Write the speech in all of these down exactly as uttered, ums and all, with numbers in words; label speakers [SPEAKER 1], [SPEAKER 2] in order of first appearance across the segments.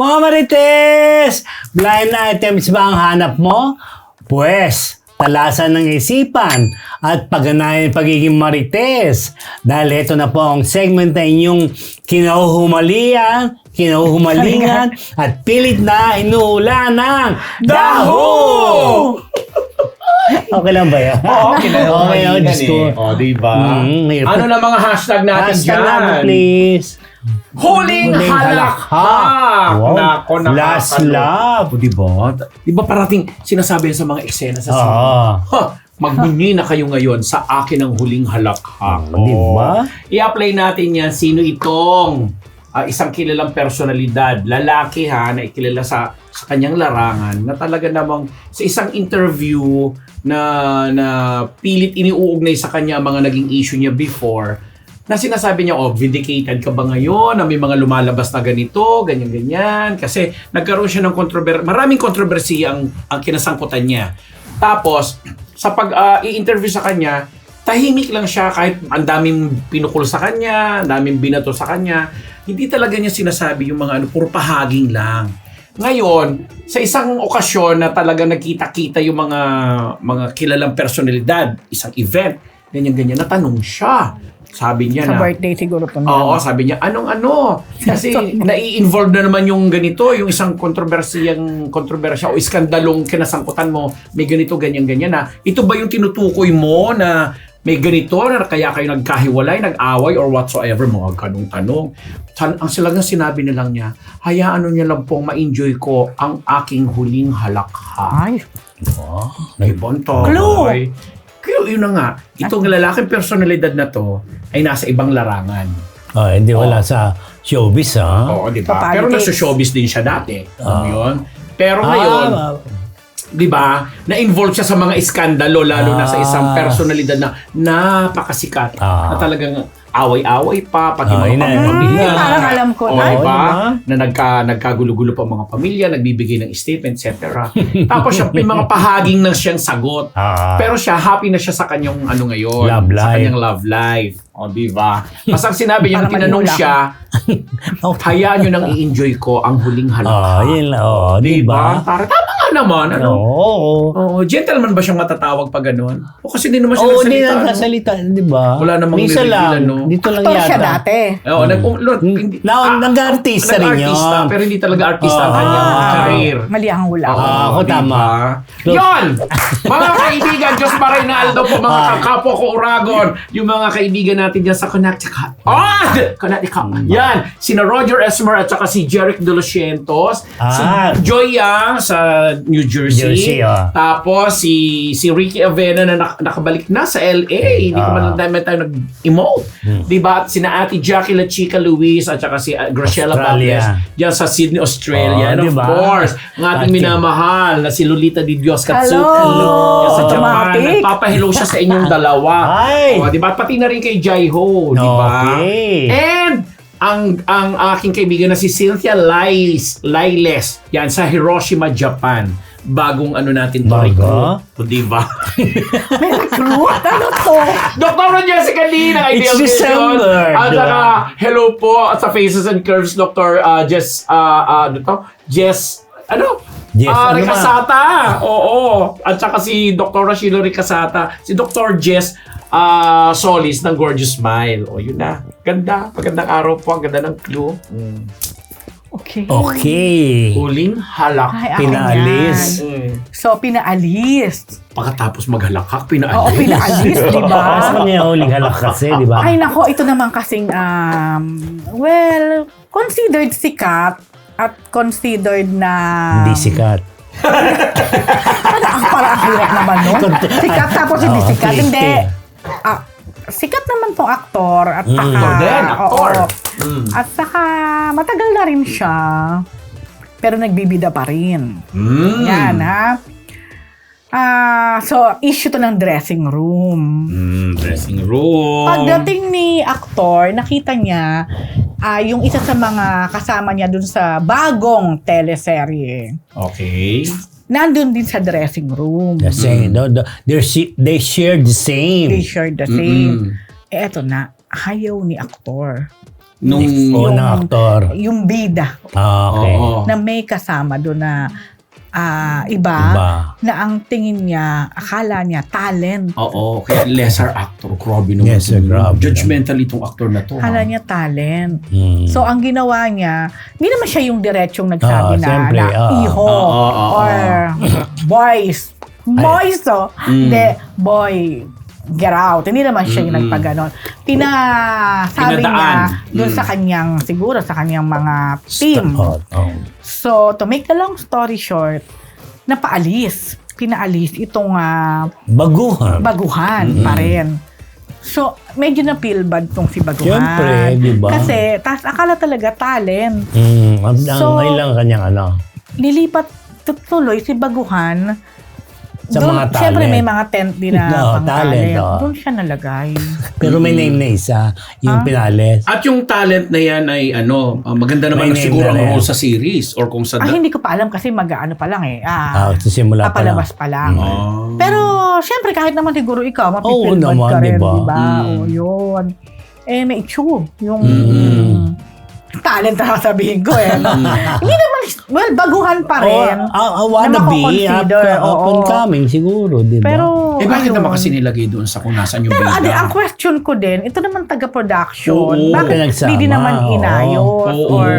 [SPEAKER 1] Mga Marites! Blind items ba ang hanap mo? Pwes, talasan ng isipan at pagganahin pagiging Marites. Dahil ito na po ang segment na inyong kinahuhumalian, kinahuhumalingan at pilit na inuula ng Daho! Okay lang ba yan?
[SPEAKER 2] Oo, okay na.
[SPEAKER 1] Okay, oh, Diyos ko.
[SPEAKER 2] O, diba?
[SPEAKER 1] Mm, hirap.
[SPEAKER 2] Ano na mga hashtag natin
[SPEAKER 1] Hashtag
[SPEAKER 2] dyan?
[SPEAKER 1] natin, please.
[SPEAKER 2] Huling
[SPEAKER 1] Huling
[SPEAKER 2] halakhak!
[SPEAKER 1] Wow.
[SPEAKER 2] Nako,
[SPEAKER 1] Last
[SPEAKER 2] nakakalo.
[SPEAKER 1] love.
[SPEAKER 2] O, diba? Diba parating sinasabi yan sa mga eksena sa sine?
[SPEAKER 1] Oo.
[SPEAKER 2] Ha, magbunyi na kayo ngayon sa akin ang huling halakhak.
[SPEAKER 1] Oh, diba?
[SPEAKER 2] I-apply natin yan. Sino itong ah, isang kilalang personalidad, lalaki ha, na ikilala sa, sa kanyang larangan, na talaga namang sa isang interview na, na pilit iniuugnay sa kanya ang mga naging issue niya before, na sinasabi niya, oh, vindicated ka ba ngayon na may mga lumalabas na ganito, ganyan-ganyan, kasi nagkaroon siya ng kontrobersiya, maraming kontrobersiya ang, ang kinasangkutan niya. Tapos, sa pag uh, i-interview sa kanya, tahimik lang siya kahit ang daming pinukul sa kanya, ang daming binato sa kanya. Hindi talaga niya sinasabi yung mga ano, puro pahaging lang. Ngayon, sa isang okasyon na talaga nakita-kita yung mga mga kilalang personalidad, isang event, ganyan-ganyan, natanong siya. Sabi niya
[SPEAKER 3] Sa
[SPEAKER 2] na...
[SPEAKER 3] birthday siguro po.
[SPEAKER 2] Oo, sabi niya, anong ano? Kasi nai-involve na naman yung ganito, yung isang kontrobersiyang kontrobersya o iskandalong kinasangkutan mo, may ganito, ganyan-ganyan na. Ito ba yung tinutukoy mo na may ganito na kaya kayo nagkahiwalay, nag-away or whatsoever, mga ganong tanong. Ang silang sinabi na lang niya, hayaan niya lang pong ma-enjoy ko ang aking huling halakhak.
[SPEAKER 3] Ay.
[SPEAKER 2] Oh, may bonto.
[SPEAKER 3] Clue!
[SPEAKER 2] Kaya yun na nga, itong lalaking personalidad na to ay nasa ibang larangan.
[SPEAKER 1] Oh, hindi wala
[SPEAKER 2] Oh.
[SPEAKER 1] sa showbiz, ha?
[SPEAKER 2] Oo, di ba?
[SPEAKER 3] Sa
[SPEAKER 2] Pero
[SPEAKER 3] politics.
[SPEAKER 2] nasa showbiz din siya dati. Alam mo
[SPEAKER 1] Ah.
[SPEAKER 2] yun? Pero ngayon,
[SPEAKER 1] Ah,
[SPEAKER 2] di ba, na-involve siya sa mga iskandalo, lalo na sa isang
[SPEAKER 1] Ah.
[SPEAKER 2] personalidad na napakasikat.
[SPEAKER 1] Ah.
[SPEAKER 2] Na talagang away-away pa, pati
[SPEAKER 1] Ah,
[SPEAKER 2] mga
[SPEAKER 1] yun na.
[SPEAKER 2] pamilya.
[SPEAKER 3] Hmm, parang alam ko
[SPEAKER 2] O,
[SPEAKER 3] na.
[SPEAKER 2] di ba?
[SPEAKER 1] diba?
[SPEAKER 2] Na nagka, nagkagulo-gulo pa mga pamilya, nagbibigay ng statement, et cetera. Tapos siya, may mga pahaging na siyang sagot.
[SPEAKER 1] Ah.
[SPEAKER 2] Pero siya, happy na siya sa kanyang ano ngayon.
[SPEAKER 1] Love
[SPEAKER 2] Sa
[SPEAKER 1] life.
[SPEAKER 2] kanyang love life. O, di ba? Mas ang sinabi niya, nung
[SPEAKER 3] Parang
[SPEAKER 2] tinanong
[SPEAKER 3] manihula
[SPEAKER 2] siya,
[SPEAKER 1] Okay.
[SPEAKER 2] hayaan nyo nang i-enjoy ko ang huling
[SPEAKER 1] Oh,
[SPEAKER 2] halakhak.
[SPEAKER 1] yun lang. Oh, di ba?
[SPEAKER 2] Para tama nga naman. Ano?
[SPEAKER 1] Oo.
[SPEAKER 2] Oo, gentleman ba siyang matatawag pag ganun? O kasi hindi naman siya
[SPEAKER 1] Oo, hindi
[SPEAKER 2] nagsalita,
[SPEAKER 1] lang
[SPEAKER 2] ano?
[SPEAKER 1] nasalita, di ba?
[SPEAKER 2] Wala namang
[SPEAKER 1] Minsan
[SPEAKER 2] nireveal,
[SPEAKER 1] lang.
[SPEAKER 2] ano?
[SPEAKER 1] Dito lang
[SPEAKER 3] Actor
[SPEAKER 1] yata.
[SPEAKER 3] siya dati.
[SPEAKER 2] Oo, nag um, Lord, hindi,
[SPEAKER 1] Na- nag-artista rin
[SPEAKER 2] nag-artista,
[SPEAKER 1] yun.
[SPEAKER 2] pero hindi talaga artista ang
[SPEAKER 1] Ah.
[SPEAKER 2] kanyang career.
[SPEAKER 3] Mali ang hula.
[SPEAKER 2] Oo,
[SPEAKER 1] Ah, ako
[SPEAKER 2] diba?
[SPEAKER 1] tama.
[SPEAKER 2] Yon! Mga kaibigan, Diyos Marinaldo po, mga
[SPEAKER 1] Ah.
[SPEAKER 2] kapwa ko Uragon, yung mga kaibigan natin dyan sa Connecticut. Oh! Connecticut. Yan! Sina Roger Esmer at saka si Jeric De Los Cientos. Si
[SPEAKER 1] Ah.
[SPEAKER 2] Joy Yang sa New Jersey.
[SPEAKER 1] Jersey, ah.
[SPEAKER 2] Tapos si si Ricky Avena na nak- nakabalik na sa L A. Hindi ko
[SPEAKER 1] Ah.
[SPEAKER 2] man dahil tayo nag-emote. Diba? At sina Ate Jackie La Chica Luis at saka si uh, Graciela
[SPEAKER 1] Australia.
[SPEAKER 2] Bables dyan sa Sydney, Australia.
[SPEAKER 1] Oh,
[SPEAKER 2] And of
[SPEAKER 1] diba?
[SPEAKER 2] course, ng ating
[SPEAKER 1] Ate.
[SPEAKER 2] minamahal na si Lolita Di Dios Katsuki.
[SPEAKER 3] Hello!
[SPEAKER 2] Yan sa Japan.
[SPEAKER 3] Automatic.
[SPEAKER 2] Nagpapahelo siya sa inyong dalawa.
[SPEAKER 1] Ay!
[SPEAKER 2] O, diba? Pati na rin kay Jaiho. Diba?
[SPEAKER 1] Okay.
[SPEAKER 2] And ang ang aking kaibigan na si Cynthia Liles, Liles, yan sa Hiroshima, Japan. Bagong ano natin to,
[SPEAKER 1] Bago?
[SPEAKER 2] recruit. O, diba?
[SPEAKER 3] May recruit? Ano to?
[SPEAKER 2] Doctor Jessica Lee ng
[SPEAKER 1] It's
[SPEAKER 2] Ideal Vision.
[SPEAKER 1] December,
[SPEAKER 2] At
[SPEAKER 1] diba?
[SPEAKER 2] saka, hello po at sa Faces and Curves, Doctor uh, Jess, uh, uh, ano to? Jess, ano?
[SPEAKER 1] Jess,
[SPEAKER 2] Ah,
[SPEAKER 1] ano
[SPEAKER 2] Ricasata. Oo. At saka si Doctor Rashilo Ricasata. Si Doctor Jess uh, Solis ng Gorgeous Smile. O, yun na. Ganda. Magandang araw po. Ang ganda ng clue. Mm.
[SPEAKER 3] Okay.
[SPEAKER 1] Okay.
[SPEAKER 2] Huling halak.
[SPEAKER 3] Ay, akin
[SPEAKER 1] Pinaalis.
[SPEAKER 3] yan.
[SPEAKER 2] Mm.
[SPEAKER 3] So, pinaalis.
[SPEAKER 2] Pagkatapos maghalakak, pinaalis.
[SPEAKER 3] Oo, pinaalis, di ba?
[SPEAKER 1] Mas kanya huling halak kasi, di ba?
[SPEAKER 3] Ay, nako, ito naman kasing, um, well, considered sikat at considered na...
[SPEAKER 1] Hindi sikat.
[SPEAKER 3] Parang, parang ang hirap naman, no? Sikat tapos hindi
[SPEAKER 1] Oo,
[SPEAKER 3] sikat.
[SPEAKER 1] okay,
[SPEAKER 3] Hindi.
[SPEAKER 1] okay.
[SPEAKER 3] Ah, sikat naman tong aktor. At
[SPEAKER 1] Mm.
[SPEAKER 3] saka...
[SPEAKER 2] Aktor din, aktor.
[SPEAKER 3] oo.
[SPEAKER 2] Mm.
[SPEAKER 3] At saka, matagal na rin siya. Pero nagbibida pa rin.
[SPEAKER 2] Mm.
[SPEAKER 3] Yan, ha? Ah, so, issue to ng dressing room.
[SPEAKER 2] Mm, dressing room.
[SPEAKER 3] Pagdating ni aktor, nakita niya ah, yung isa sa mga kasama niya dun sa bagong teleserye.
[SPEAKER 2] Okay.
[SPEAKER 3] Nandun din sa dressing room.
[SPEAKER 1] The same. No, the, they're, shi- they share the same.
[SPEAKER 3] They shared the same.
[SPEAKER 2] Mm-mm.
[SPEAKER 3] Eh, eto na, ayaw ni aktor.
[SPEAKER 2] Nung...
[SPEAKER 1] Oo, ng aktor.
[SPEAKER 3] Yung bida
[SPEAKER 1] Ah, okay.
[SPEAKER 2] Oo.
[SPEAKER 3] na may kasama doon na ah, iba,
[SPEAKER 1] Iba.
[SPEAKER 3] na ang tingin niya, akala niya, talent.
[SPEAKER 2] Oo, kaya lesser actor. Grabe naman.
[SPEAKER 1] Yes, sir, grabe.
[SPEAKER 2] Judgmental itong actor na to.
[SPEAKER 3] Akala
[SPEAKER 2] ha?
[SPEAKER 3] niya talent.
[SPEAKER 1] Mm.
[SPEAKER 3] So, ang ginawa niya, hindi naman siya yung diretsyong nagsabi
[SPEAKER 1] Ah,
[SPEAKER 3] na,
[SPEAKER 1] siyempre,
[SPEAKER 3] na
[SPEAKER 1] ah.
[SPEAKER 3] iho
[SPEAKER 2] Ah, ah, ah,
[SPEAKER 3] or boys. Boys, oh.
[SPEAKER 2] Mm.
[SPEAKER 3] Hindi, boy, get out. Hindi naman siya yung
[SPEAKER 2] Mm-mm.
[SPEAKER 3] nagpaganon. Pinasabi niya
[SPEAKER 2] Pinadaan.
[SPEAKER 3] doon
[SPEAKER 2] Mm.
[SPEAKER 3] sa kanyang, siguro sa kanyang mga team.
[SPEAKER 1] Oh, oh.
[SPEAKER 3] So, to make the long story short, napaalis. Pinaalis itong ah,
[SPEAKER 1] Baguhan.
[SPEAKER 3] baguhan pa rin. So, medyo na-feel bad tong si baguhan.
[SPEAKER 1] Siyempre, di ba?
[SPEAKER 3] Kasi, tas, akala talaga talent.
[SPEAKER 1] Mm, ang, ang
[SPEAKER 3] So-
[SPEAKER 1] ngayon lang kanyang ano.
[SPEAKER 3] Lilipat tuloy si baguhan.
[SPEAKER 1] Sa
[SPEAKER 3] Doon-
[SPEAKER 1] mga talent.
[SPEAKER 3] Siyempre, may mga tent din na
[SPEAKER 1] Oo,
[SPEAKER 3] pang
[SPEAKER 1] talent,
[SPEAKER 3] talent.
[SPEAKER 1] oo.
[SPEAKER 3] Doon siya nalagay.
[SPEAKER 1] Pero may name na isa, yung
[SPEAKER 3] Ah?
[SPEAKER 1] Pinales.
[SPEAKER 2] At yung talent na yan ay ano, ah, maganda naman
[SPEAKER 1] May
[SPEAKER 2] na
[SPEAKER 1] name
[SPEAKER 2] siguro
[SPEAKER 1] na
[SPEAKER 2] ang
[SPEAKER 1] rin.
[SPEAKER 2] role sa series or kung sa...
[SPEAKER 3] Ah, hindi ko pa alam kasi mag-ano pa lang eh.
[SPEAKER 1] Ah,
[SPEAKER 3] Ah,
[SPEAKER 1] sa simula pa lang.
[SPEAKER 3] papalabas pa lang.
[SPEAKER 2] Ah.
[SPEAKER 3] Pero, syempre, kahit naman siguro ikaw,
[SPEAKER 1] Oo
[SPEAKER 3] mapipil bad
[SPEAKER 1] naman,
[SPEAKER 3] ka rin,
[SPEAKER 1] diba?
[SPEAKER 3] di ba?
[SPEAKER 2] Mm.
[SPEAKER 3] O, yun. Eh, may itsue. Yung
[SPEAKER 1] Mm.
[SPEAKER 3] talent na sasabihin ko eh. No? Hindi naman, well, baguhan pa
[SPEAKER 1] Oh,
[SPEAKER 3] rin.
[SPEAKER 1] ah, ah, wanna
[SPEAKER 3] na
[SPEAKER 1] be, up,
[SPEAKER 3] mako-consider,
[SPEAKER 1] up
[SPEAKER 3] oo.
[SPEAKER 1] and coming siguro, di ba?
[SPEAKER 3] Pero,
[SPEAKER 2] Eh bakit
[SPEAKER 3] ayun.
[SPEAKER 2] naman kasi nilagay doon sa kung nasaan yung
[SPEAKER 3] Pero
[SPEAKER 2] bida?
[SPEAKER 3] ade, ang question ko din, ito naman taga-production.
[SPEAKER 2] Oo.
[SPEAKER 3] Bakit
[SPEAKER 1] Pinagsama,
[SPEAKER 3] hindi din naman
[SPEAKER 1] oo.
[SPEAKER 3] inayos?
[SPEAKER 2] Oo.
[SPEAKER 3] Or,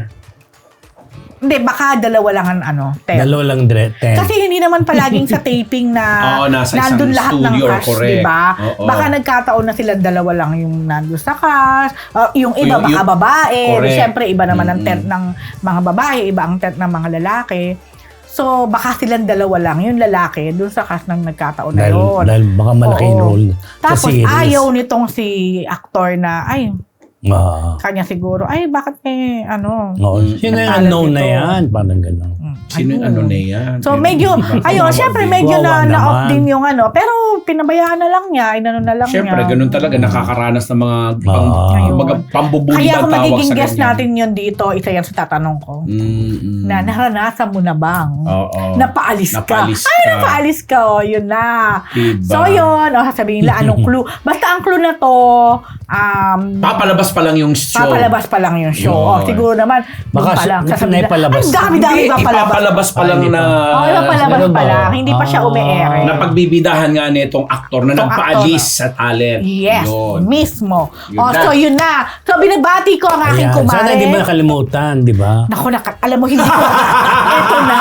[SPEAKER 3] hindi, baka dalawa lang ang ano, ten.
[SPEAKER 1] Dalawa lang dire, ten.
[SPEAKER 3] Kasi hindi naman palaging sa taping na
[SPEAKER 2] Oo, nasa isang
[SPEAKER 3] nandun lahat ng
[SPEAKER 2] studio,
[SPEAKER 3] cast,
[SPEAKER 2] correct.
[SPEAKER 3] di ba?
[SPEAKER 2] Oo.
[SPEAKER 3] Baka nagkataon na sila dalawa lang yung nandun sa cast. Uh, yung iba
[SPEAKER 2] Yung-
[SPEAKER 3] baka
[SPEAKER 2] yung-
[SPEAKER 3] babae.
[SPEAKER 2] correct.
[SPEAKER 3] Siyempre, iba naman ang
[SPEAKER 2] Mm-mm.
[SPEAKER 3] tent ng mga babae, iba ang tent ng mga lalaki. So, baka silang dalawa lang. Yung lalaki, dun sa cast ng nagkataon na
[SPEAKER 1] dahil,
[SPEAKER 3] yun.
[SPEAKER 1] dahil baka malaking
[SPEAKER 3] Oo.
[SPEAKER 1] role
[SPEAKER 3] Tapos
[SPEAKER 1] sa series.
[SPEAKER 3] ayaw nitong si actor na, ay,
[SPEAKER 1] Ah,
[SPEAKER 3] kanya siguro, ay, bakit may, ano,
[SPEAKER 1] oo.
[SPEAKER 2] Mm.
[SPEAKER 1] Sino yung
[SPEAKER 3] Talent
[SPEAKER 1] unknown na
[SPEAKER 3] ito.
[SPEAKER 1] yan? Parang gano'n.
[SPEAKER 3] mm,
[SPEAKER 2] Sino yung
[SPEAKER 3] ayun.
[SPEAKER 2] ano na yan?
[SPEAKER 3] So
[SPEAKER 2] Yun,
[SPEAKER 3] medyo,
[SPEAKER 2] iba.
[SPEAKER 3] ayun,
[SPEAKER 2] Kawawa
[SPEAKER 3] syempre
[SPEAKER 2] din.
[SPEAKER 3] medyo na,
[SPEAKER 1] Kawawa
[SPEAKER 3] na-off
[SPEAKER 1] naman.
[SPEAKER 3] din yung ano. Pero pinabayaan na lang niya, inano na lang
[SPEAKER 2] Siyempre,
[SPEAKER 3] niya.
[SPEAKER 2] ganun talaga. Nakakaranas ng mga pang,
[SPEAKER 1] Ah.
[SPEAKER 2] mga pambubuli
[SPEAKER 3] Kaya
[SPEAKER 2] ba
[SPEAKER 3] kung
[SPEAKER 2] tawag
[SPEAKER 3] magiging
[SPEAKER 2] sa
[SPEAKER 3] guest
[SPEAKER 2] ganyan.
[SPEAKER 3] natin yun dito, isa yan sa tatanong ko.
[SPEAKER 2] Mm-mm.
[SPEAKER 3] Na naranasan mo na bang?
[SPEAKER 2] Oo.
[SPEAKER 3] Napaalis ka.
[SPEAKER 2] Napaalis
[SPEAKER 3] Ay,
[SPEAKER 2] ka.
[SPEAKER 3] napaalis ka. Oh, yun na.
[SPEAKER 2] Diba?
[SPEAKER 3] So yun, o sasabihin nila, anong clue? Basta ang clue na to, um,
[SPEAKER 2] Papalabas pa lang yung show.
[SPEAKER 3] papalabas pa lang yung show.
[SPEAKER 2] Yun.
[SPEAKER 3] Oh, siguro naman,
[SPEAKER 1] Baka
[SPEAKER 3] doon pa lang.
[SPEAKER 1] si-
[SPEAKER 3] sasabihin nila,
[SPEAKER 1] naipalabas.
[SPEAKER 3] ang dami-dami
[SPEAKER 2] Hindi,
[SPEAKER 3] papalabas.
[SPEAKER 2] ipapalabas pa
[SPEAKER 1] Ah,
[SPEAKER 2] lang
[SPEAKER 1] hindi
[SPEAKER 2] na...
[SPEAKER 3] Oo, oh, papalabas
[SPEAKER 1] Ganun
[SPEAKER 3] pa
[SPEAKER 1] ba?
[SPEAKER 3] lang. Hindi pa siya
[SPEAKER 1] Ah.
[SPEAKER 3] umi-ere.
[SPEAKER 2] na pagbibidahan nga nitong aktor na
[SPEAKER 3] Itong
[SPEAKER 2] nagpaalis
[SPEAKER 3] aktor,
[SPEAKER 2] sa talent.
[SPEAKER 3] Yes,
[SPEAKER 2] Yun.
[SPEAKER 3] mismo.
[SPEAKER 2] Yun
[SPEAKER 3] oh,
[SPEAKER 2] na.
[SPEAKER 3] so yun na. So binabati ko ang aking
[SPEAKER 1] Ayan.
[SPEAKER 3] kumare.
[SPEAKER 1] Sana hindi mo nakalimutan, di ba?
[SPEAKER 3] Naku, naka- alam mo, hindi ko. Ito na.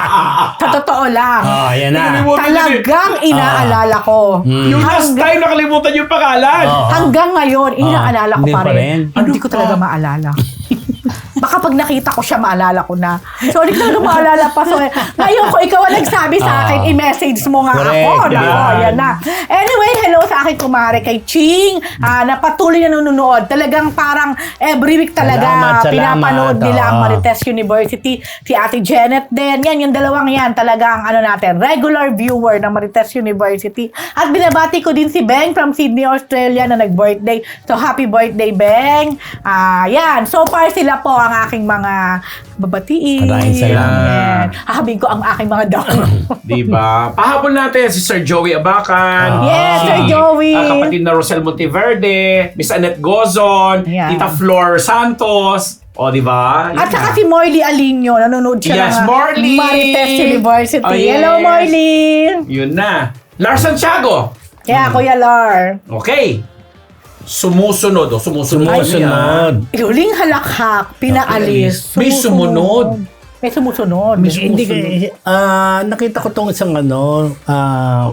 [SPEAKER 3] Sa totoo lang.
[SPEAKER 1] Ah, yan na.
[SPEAKER 2] Nakalimutan yun eh.
[SPEAKER 3] Talagang inaalala ko.
[SPEAKER 1] Hmm.
[SPEAKER 2] Yung last
[SPEAKER 3] Hanggang,
[SPEAKER 2] time nakalimutan yung pangalan.
[SPEAKER 1] Oo.
[SPEAKER 3] hanggang ngayon, inaalala ko
[SPEAKER 1] hindi
[SPEAKER 3] pa
[SPEAKER 1] pa
[SPEAKER 3] rin.
[SPEAKER 1] rin?
[SPEAKER 3] Hindi
[SPEAKER 2] Ano
[SPEAKER 3] ko talaga
[SPEAKER 2] pa?
[SPEAKER 3] maalala. Baka pag nakita ko siya, maalala ko na. So, hindi ko talaga maalala pa. So, ngayon, kung ikaw ang nagsabi sa akin,
[SPEAKER 1] Ah.
[SPEAKER 3] i-message mo nga
[SPEAKER 1] Correct,
[SPEAKER 3] ako. Nako,
[SPEAKER 1] yan.
[SPEAKER 3] yan na. Anyway, hello sa aking kumare kay Ching, ah, na patuloy na nanonood. Talagang parang every week talaga
[SPEAKER 1] Salamat, salamat.
[SPEAKER 3] pinapanood nila ang
[SPEAKER 1] Oo.
[SPEAKER 3] Marites University. Si Ate Janet din. Yan, yung dalawang yan. Talagang ano natin, regular viewer ng Marites University. At binabati ko din si Beng from Sydney, Australia na nag-birthday. So, happy birthday, Beng. Ah, yan. So far, sila po ang aking mga babatiin.
[SPEAKER 1] Maraming salamat.
[SPEAKER 3] Yan. Hahabing ko ang aking mga download.
[SPEAKER 2] Diba? Pahabol natin si Sir Joey Abacan.
[SPEAKER 1] Ah.
[SPEAKER 3] Yes,
[SPEAKER 2] si,
[SPEAKER 3] Sir Joey.
[SPEAKER 2] ah, kapatid na Rosel Monteverde, Miss Annette Gozon,
[SPEAKER 3] Yan.
[SPEAKER 2] Tita Flor Santos. O, diba?
[SPEAKER 3] At saka si Morley Alinio, nanonood siya
[SPEAKER 2] Yes,
[SPEAKER 3] ng
[SPEAKER 2] Morley!
[SPEAKER 3] Marites University.
[SPEAKER 2] Oh, yes.
[SPEAKER 3] Hello, Morley!
[SPEAKER 2] Yun na. Lars Santiago.
[SPEAKER 3] Yeah, Kuya Lar.
[SPEAKER 2] Okay. Sumusunod. O, sumusunod.
[SPEAKER 1] Sumusunod.
[SPEAKER 3] Huling halakhak, pinaalis.
[SPEAKER 2] May sumunod.
[SPEAKER 3] May sumusunod.
[SPEAKER 1] May, hindi ka, ah, nakita ko tong isang ano, ah,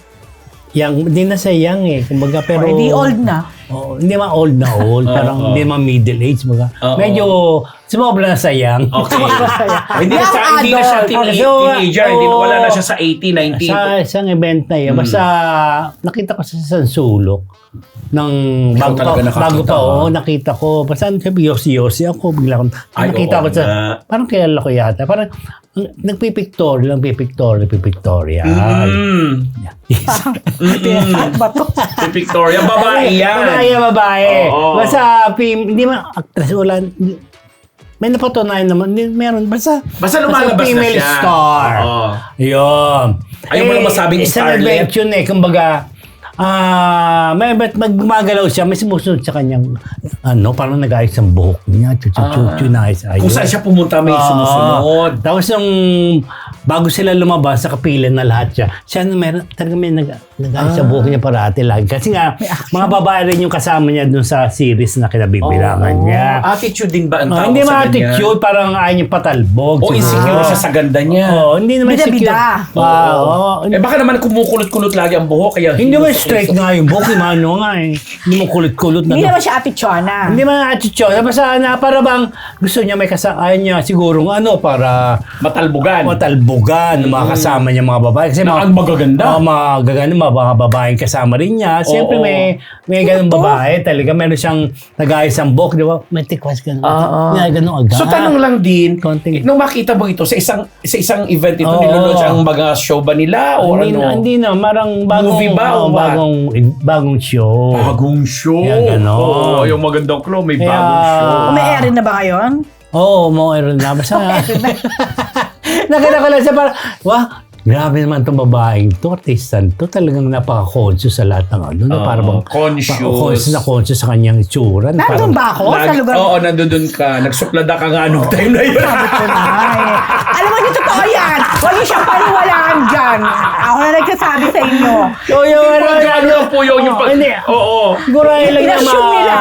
[SPEAKER 1] yang, hindi na sa young eh. Kumbaga, pero...
[SPEAKER 3] Hindi old na.
[SPEAKER 1] Oh, hindi man old na old,
[SPEAKER 2] Oo,
[SPEAKER 1] parang
[SPEAKER 2] oo.
[SPEAKER 1] hindi man middle age, mga.
[SPEAKER 2] Oo.
[SPEAKER 1] Medyo sumobra na sa young.
[SPEAKER 2] Okay. hindi na
[SPEAKER 3] Young
[SPEAKER 2] siya, hindi na siya
[SPEAKER 3] adult.
[SPEAKER 2] teen-
[SPEAKER 1] So,
[SPEAKER 2] teenager. Hindi na,
[SPEAKER 1] oo.
[SPEAKER 2] wala na siya sa eighteen, nineteen.
[SPEAKER 1] Sa isang event na yun,
[SPEAKER 2] Mm.
[SPEAKER 1] basta nakita ko sa San Sulok ng
[SPEAKER 2] Ikaw
[SPEAKER 1] bago pa,
[SPEAKER 2] talaga nakakita,
[SPEAKER 1] bago pa,
[SPEAKER 2] ha?
[SPEAKER 1] oo, nakita ko. Basta sabi, yosi-yosi ako, bigla akong,
[SPEAKER 2] Ay,
[SPEAKER 1] nakita
[SPEAKER 2] oo
[SPEAKER 1] ko sa,
[SPEAKER 2] nga.
[SPEAKER 1] parang kilala ko yata, parang ang- nagpipictory lang, pipictory, pipictory.
[SPEAKER 2] Mm.
[SPEAKER 3] Pinasat ba to?
[SPEAKER 2] Si Victoria, babae yan.
[SPEAKER 1] Babae, babae.
[SPEAKER 2] Oo.
[SPEAKER 1] Basta, film, hindi man, actress, wala, may napatunayan naman, hindi, meron, basta,
[SPEAKER 2] Basta lumalabas na
[SPEAKER 1] female
[SPEAKER 2] siya.
[SPEAKER 1] star.
[SPEAKER 2] Oo.
[SPEAKER 1] Yun.
[SPEAKER 2] Ayaw mo lang masabing
[SPEAKER 1] isang
[SPEAKER 2] starlet.
[SPEAKER 1] event yun eh, kumbaga, ah, may ba't magmagalaw siya, may sumusunod sa kanyang, ano, parang nag-ayos ang buhok niya. Chuchu-chuchu na ayos.
[SPEAKER 2] Kung saan siya pumunta may sumusunod.
[SPEAKER 1] Tapos nung bago sila lumabas, sa kapilan na lahat siya, siya na meron, talaga may nag, nag-ayos sa buhok niya parati lagi. Kasi nga, mga babae rin yung kasama niya dun sa series na kinabibilangan niya.
[SPEAKER 2] Attitude din ba ang
[SPEAKER 1] Oh,
[SPEAKER 2] tawag
[SPEAKER 1] hindi
[SPEAKER 2] sa
[SPEAKER 1] mga
[SPEAKER 2] ganyan?
[SPEAKER 1] attitude, parang ayaw niya patalbog.
[SPEAKER 2] O insecure siya sa ganda niya.
[SPEAKER 1] Oo, hindi naman
[SPEAKER 3] Bida-bida.
[SPEAKER 1] insecure. Ah, oo.
[SPEAKER 2] Eh baka naman kumukulot-kulot lagi ang buhok kaya
[SPEAKER 1] Hindi naman straight nga yung buhok, yung ano nga eh. Hindi mo kulit-kulot na.
[SPEAKER 3] Hindi naman siya Ate Chona.
[SPEAKER 1] Hindi man attitude. Basta na para bang gusto niya may kasama niya siguro ano para
[SPEAKER 2] matalbugan.
[SPEAKER 1] matalbugan ng mga kasama niya mga babae. Kasi
[SPEAKER 2] Na ang magaganda.
[SPEAKER 1] Oo, mga gaganda, mga babaeng kasama rin niya. Siyempre
[SPEAKER 2] Oo.
[SPEAKER 1] may may ganung babae. Talaga meron siyang nag-ayos ang buhok, di ba? May tikwas ganun.
[SPEAKER 2] Oo.
[SPEAKER 1] May ganun agad.
[SPEAKER 2] So tanong lang din,
[SPEAKER 1] Konting-
[SPEAKER 2] nung makita mo ito sa isang sa isang event ito,
[SPEAKER 1] Oo.
[SPEAKER 2] nilunod ang mga show ba nila o
[SPEAKER 1] hindi
[SPEAKER 2] ano?
[SPEAKER 1] na, hindi na. Marang bagong,
[SPEAKER 2] Movie ba o
[SPEAKER 1] oo,
[SPEAKER 2] what?
[SPEAKER 1] bagong, bagong show.
[SPEAKER 2] Bagong show.
[SPEAKER 1] Kaya ganon.
[SPEAKER 2] Oo, yung magandang clue, may
[SPEAKER 1] Kaya-
[SPEAKER 2] bagong show.
[SPEAKER 3] May airin na ba ngayon?
[SPEAKER 1] Oo, oh, mga rin na. Basta nakita ko lang siya parang, wah, grabe naman itong babaeng to, artistan to, talagang napaka-conscious sa lahat ng ano. na
[SPEAKER 2] Oo,
[SPEAKER 1] parang
[SPEAKER 2] conscious.
[SPEAKER 1] pa- conscious na conscious sa kanyang itsura. na
[SPEAKER 3] Nandun
[SPEAKER 1] parang-
[SPEAKER 3] ba ako sa
[SPEAKER 2] Lag-
[SPEAKER 3] lugar?
[SPEAKER 2] Oo, nandun ka. Nagsuplada ka nga nung time na yun.
[SPEAKER 3] Sabi ko na eh. Alam mo, di totoo yan. Huwag niyo siyang paniwalaan dyan. Ako na nagsasabi sa inyo.
[SPEAKER 1] Oo, yung ano,
[SPEAKER 2] Ano po yun? Yung
[SPEAKER 1] Oo,
[SPEAKER 2] pag-
[SPEAKER 1] hindi.
[SPEAKER 2] Oo.
[SPEAKER 1] Siguro ay lang naman.
[SPEAKER 3] Inassume nila.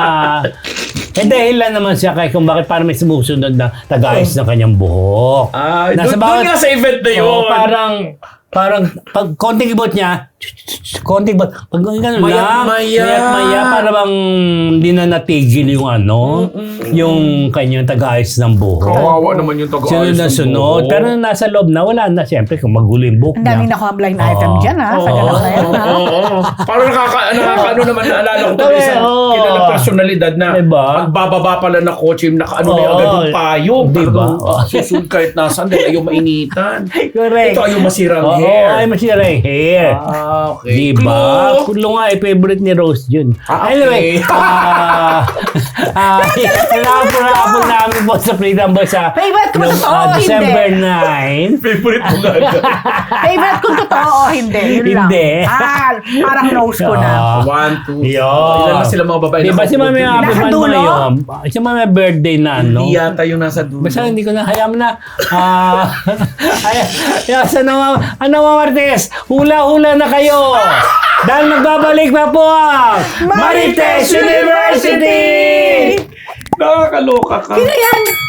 [SPEAKER 1] Eh dahil lang naman siya kay kung bakit parang may sumusunod na tagayos ng kanyang buhok.
[SPEAKER 2] Ah,
[SPEAKER 1] Nasa
[SPEAKER 2] doon
[SPEAKER 1] bawat-
[SPEAKER 2] nga sa event na yun.
[SPEAKER 1] Oo, parang parang pag konting ibot niya, konting ibot, pag gano'n lang,
[SPEAKER 2] Mayat-maya.
[SPEAKER 1] mayat-maya, para bang hindi na natigil yung ano, yung kanyang tagayos ng buhok.
[SPEAKER 2] Kawawa naman yung taga-ayos
[SPEAKER 1] Sunod na
[SPEAKER 2] ng
[SPEAKER 1] sunod.
[SPEAKER 2] buhok.
[SPEAKER 1] Pero nung nasa loob na, wala na siyempre kung magulo yung buhok
[SPEAKER 3] Ang
[SPEAKER 1] niya.
[SPEAKER 3] daming nakuha blind item
[SPEAKER 1] Oo.
[SPEAKER 3] dyan ha. Sa
[SPEAKER 1] Oo.
[SPEAKER 3] ganap na yan ha.
[SPEAKER 2] Oo, oo. Parang nakaka, nakaka, ano naman, naalala ko ito,
[SPEAKER 1] Sabi,
[SPEAKER 2] isang
[SPEAKER 1] oo.
[SPEAKER 2] kilala personalidad na
[SPEAKER 1] Diba?
[SPEAKER 2] pagbababa pala na kotse, naka, ano na yung
[SPEAKER 1] Oo.
[SPEAKER 2] agad yung payong.
[SPEAKER 1] Diba?
[SPEAKER 2] Talagang,
[SPEAKER 1] Oo.
[SPEAKER 2] Susunod kahit nasaan, dahil ayaw mainitan.
[SPEAKER 1] Correct.
[SPEAKER 2] Ito ayaw masirang
[SPEAKER 1] Oo,
[SPEAKER 2] hair.
[SPEAKER 1] ay masira yung hair.
[SPEAKER 2] Ah, okay.
[SPEAKER 1] Diba?
[SPEAKER 2] Clue.
[SPEAKER 1] Kulo nga, eh, favorite ni Rose yun.
[SPEAKER 2] Ah, okay.
[SPEAKER 1] Anyway, ah, ah, napapurapon namin po sa Freedom Boy sa
[SPEAKER 3] Favorite ko ba
[SPEAKER 1] nung,
[SPEAKER 3] totoo
[SPEAKER 1] ah,
[SPEAKER 3] o hindi?
[SPEAKER 1] December ninth.
[SPEAKER 2] Favorite mo nga.
[SPEAKER 3] Favorite kung totoo o hindi. Yun lang.
[SPEAKER 1] Hindi.
[SPEAKER 3] Ah, parang nose ko na.
[SPEAKER 1] Ah,
[SPEAKER 2] One, two.
[SPEAKER 1] Yun.
[SPEAKER 2] Ilan na sila mga babae?
[SPEAKER 1] Diba si Mami
[SPEAKER 2] nakaupo?
[SPEAKER 1] Happy
[SPEAKER 3] Nasa
[SPEAKER 1] Man
[SPEAKER 3] dulo?
[SPEAKER 1] ngayon? Si Mami birthday na, no?
[SPEAKER 2] Hindi yata yung nasa dulo.
[SPEAKER 1] Basta hindi ko na, hayaan mo na. Ah, ay, ay, sa naman, ano mga Martes, hula-hula na kayo. Dahil magbabalik pa po ang Marites University!
[SPEAKER 2] Nakakaloka ka.
[SPEAKER 3] Sino yan?